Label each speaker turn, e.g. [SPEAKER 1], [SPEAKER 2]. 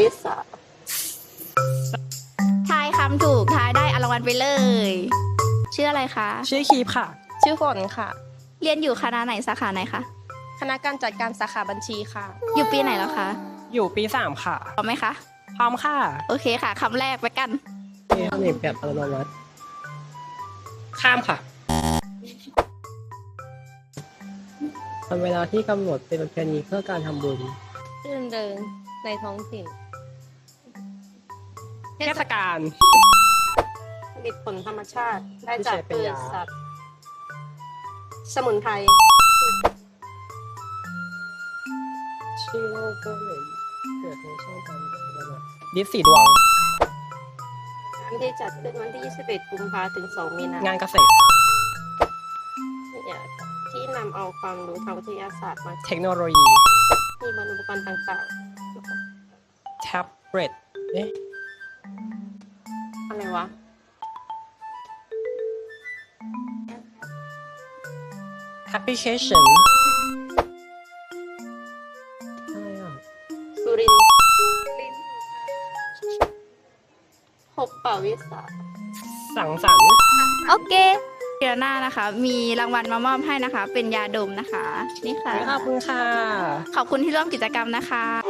[SPEAKER 1] วิศา
[SPEAKER 2] ทายคำถูกทายได้เอารางวัลไปเลย ชื่ออะไรคะ
[SPEAKER 3] ชื่อคีบค่ะ
[SPEAKER 4] ชื่อฝนค่ะ
[SPEAKER 2] เรียนอยู่คณะไหนสาขาไหนคะ
[SPEAKER 4] คณะการจัดการสาขาบัญชีค่ะ
[SPEAKER 2] อยู่ปีไหนแล้วคะ
[SPEAKER 3] อยู่ปี 3 ค่ะ
[SPEAKER 2] พร้อมไหมคะ
[SPEAKER 3] พร้อมค่ะ
[SPEAKER 2] โอเคค่ะคำแรกไปกัน
[SPEAKER 1] เทคนิคแบบอัตโนมัติ
[SPEAKER 3] ข้ามค่ะ
[SPEAKER 1] ทำเวลาที่กำหนดเป็นประเพณีเพื่อการทำบุญ
[SPEAKER 4] รื่นเริงในท้องถิ่น
[SPEAKER 3] เทศกาล
[SPEAKER 1] ผลิตผลธรรมชาติได้จากพืชสัตว์ สมุนไพรชื่อโลกก็เลยเกิดในช่วงการระบาด
[SPEAKER 3] ดิสสีดวง
[SPEAKER 1] งานที่จัดขึ้นวันที่ 21 กุมภาพันธ์ถึง 2 มีนายน
[SPEAKER 3] งานเกษตร
[SPEAKER 1] ที่นำเอาความรู้ทางวิทยาศาสตร์มา
[SPEAKER 3] เทคโนโลยี
[SPEAKER 1] ที่บรรอุปกรณ์ต่าง
[SPEAKER 3] แท็บเล็ต เอ๊ะ
[SPEAKER 1] ๆ อะไรวะ
[SPEAKER 3] แอปพลิเคชัน
[SPEAKER 1] อะไรอ่ะ สุรินทร์พบปะวิสา
[SPEAKER 3] สังสรรค์
[SPEAKER 2] โอเคเดี๋ยวหน้านะคะ มีรางวัลมามอบให้นะคะ เป็นยาดมนะคะ นี่ค่ะ
[SPEAKER 3] ขอบคุณค่ะ
[SPEAKER 2] ขอบคุณที่ร่วมกิจกรรมนะคะ